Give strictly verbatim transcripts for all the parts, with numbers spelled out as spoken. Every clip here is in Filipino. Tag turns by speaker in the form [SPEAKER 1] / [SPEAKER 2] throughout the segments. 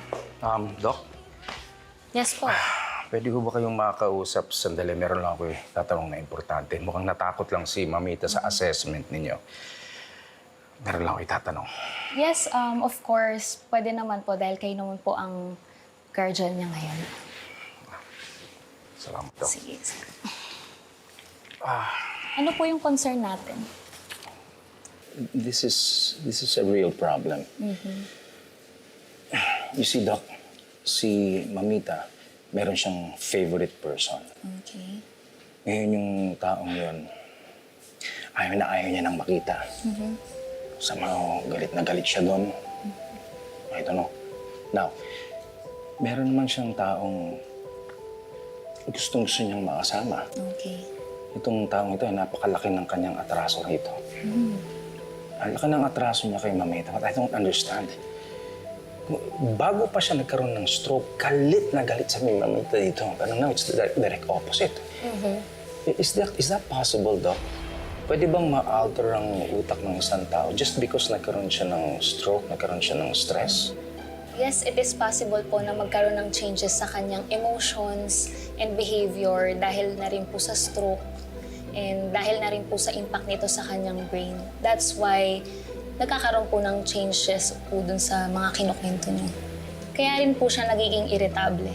[SPEAKER 1] Um, Doc,
[SPEAKER 2] Yes po.
[SPEAKER 1] pwede ko ba kayong makakausap sandali? Meron lang ako eh, tatanong na importante. Mukhang natakot lang si Mamita sa assessment ninyo. Meron lang ako itatanong.
[SPEAKER 2] Yes, um, of course. Pwede naman po dahil kayo naman po ang guardian niya ngayon.
[SPEAKER 1] Salamat, Doc.
[SPEAKER 2] Sige. sige. Ano po yung concern natin?
[SPEAKER 1] This is, this is a real problem. You see, Doc, si Mamita, meron siyang favorite person.
[SPEAKER 2] Okay.
[SPEAKER 1] Ngayon yung taong yun, ayaw na ayaw niya nang makita.
[SPEAKER 2] Mm-hmm.
[SPEAKER 1] Somehow, galit na galit siya doon. I don't know. Now, meron naman siyang taong gustong gusto niyang makasama.
[SPEAKER 2] Okay.
[SPEAKER 1] Itong taong ito ay napakalaki ng kanyang atraso rito. Mm. Ang laki ng atraso niya kay Mamita, but I don't understand. Bago pa siya nagkaroon ng stroke, galit na galit sa Mamita dito. Pero now, it's the direct opposite.
[SPEAKER 2] Mm-hmm.
[SPEAKER 1] Is that, is that possible, Doc? Pwede bang ma-alter ang utak ng isang tao just because nagkaroon siya ng stroke, nagkaroon siya ng stress?
[SPEAKER 2] Yes, it is possible po na magkaroon ng changes sa kanyang emotions and behavior dahil na rin po sa stroke and dahil na rin po sa impact nito sa kanyang brain. That's why nagkakaroon po ng changes po dun sa mga kinukwento niyo. Kaya rin po siya nagiging irritable.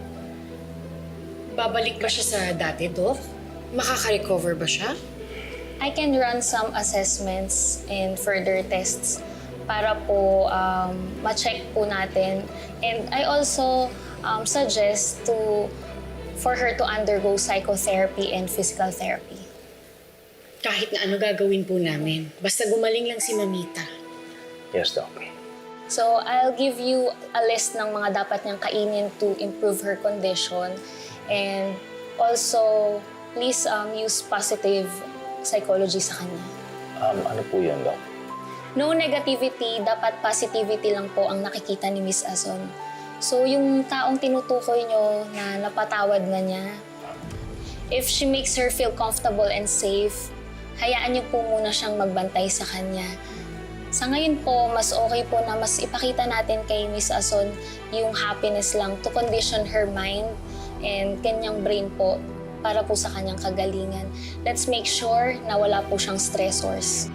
[SPEAKER 3] Babalik ba siya sa dati, Doc? Makaka-recover ba siya?
[SPEAKER 2] I can run some assessments and further tests para po um, ma-check po natin. And I also um, suggest to for her to undergo psychotherapy and physical therapy.
[SPEAKER 3] Kahit na ano gagawin po namin. Basta gumaling lang si Mamita.
[SPEAKER 1] Yes, Doc.
[SPEAKER 2] So I'll give you a list ng mga dapat niyang kainin to improve her condition. And also, please um, use positive psychology sa kanya.
[SPEAKER 1] Um, ano po yun, Doc?
[SPEAKER 2] No negativity, dapat positivity lang po ang nakikita ni Miss Azon. So yung taong tinutukoy nyo na napatawad na niya, if she makes her feel comfortable and safe, hayaan niyo po muna siyang magbantay sa kanya. Sa ngayon po, mas okay po na mas ipakita natin kay Miss Azon yung happiness lang to condition her mind and kanyang brain po para po sa kanyang kagalingan. Let's make sure na wala po siyang stressors.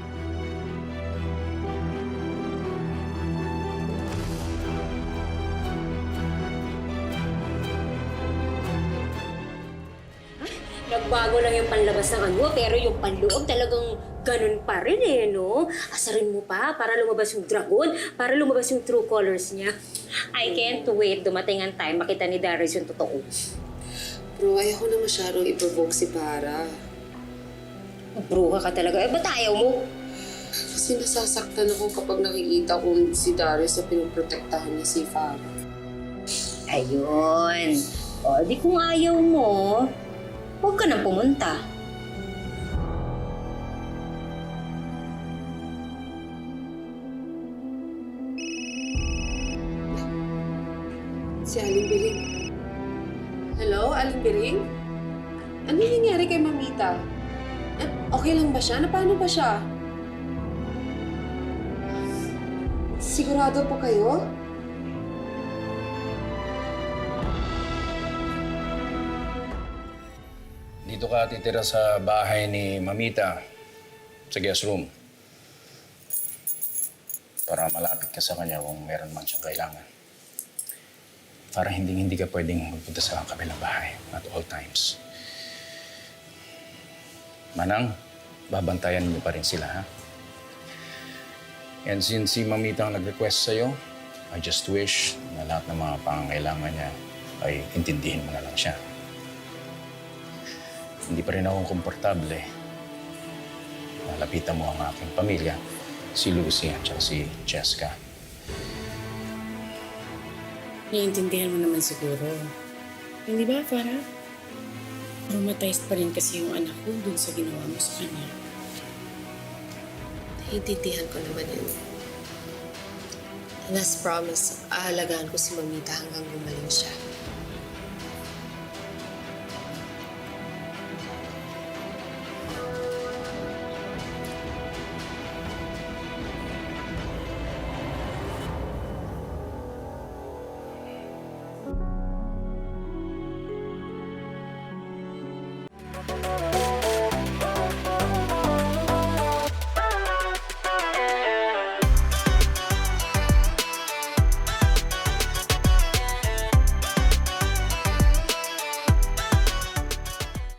[SPEAKER 4] Nagbago lang yung panlabas ng ano, pero yung panloob talagang ganun pa rin eh, no? Asarin mo pa para lumabas yung dragon, para lumabas yung true colors niya. I can't wait dumating ang time makita ni Darius yung totoo.
[SPEAKER 5] Bro, ayoko na masyadong i-provoke si Para.
[SPEAKER 4] Bruha ka talaga. Eh, ba't ayaw mo?
[SPEAKER 5] Kasi nasasaktan ako kapag nakikita ko si Darius na pinoprotektahan niya si Farah.
[SPEAKER 4] Ayun. O, di kung ayaw mo, huwag ka nang pumunta.
[SPEAKER 5] Si Aling Biring. Hello, Aling Biring? Ano yung nangyari kay Mamita? Eh, okay lang ba siya? Na paano ba siya? Sigurado po kayo?
[SPEAKER 1] Dito ka titira sa bahay ni Mamita, sa guest room. Para malapit ka sa kanya kung meron man siyang kailangan. Para hindi-hindi ka pwedeng magpunta sa kabilang bahay at all times. Manang, babantayan mo pa rin sila, ha? And since si Mamita ang nag-request sa'yo, I just wish na lahat ng mga pangangailangan niya ay intindihin mo na lang siya. Hindi pa rin ako komportable. Malapitan mo ang aking pamilya, si Lucy at si Jessica.
[SPEAKER 3] Naiintindihan mo naman siguro. Hindi ba, Farah? Traumatized pa rin kasi yung anak ko dun sa ginawa mo sa kanya.
[SPEAKER 5] Naiintindihan ko naman yun. And as promised, aalagaan ko si Mamita hanggang gumaling siya.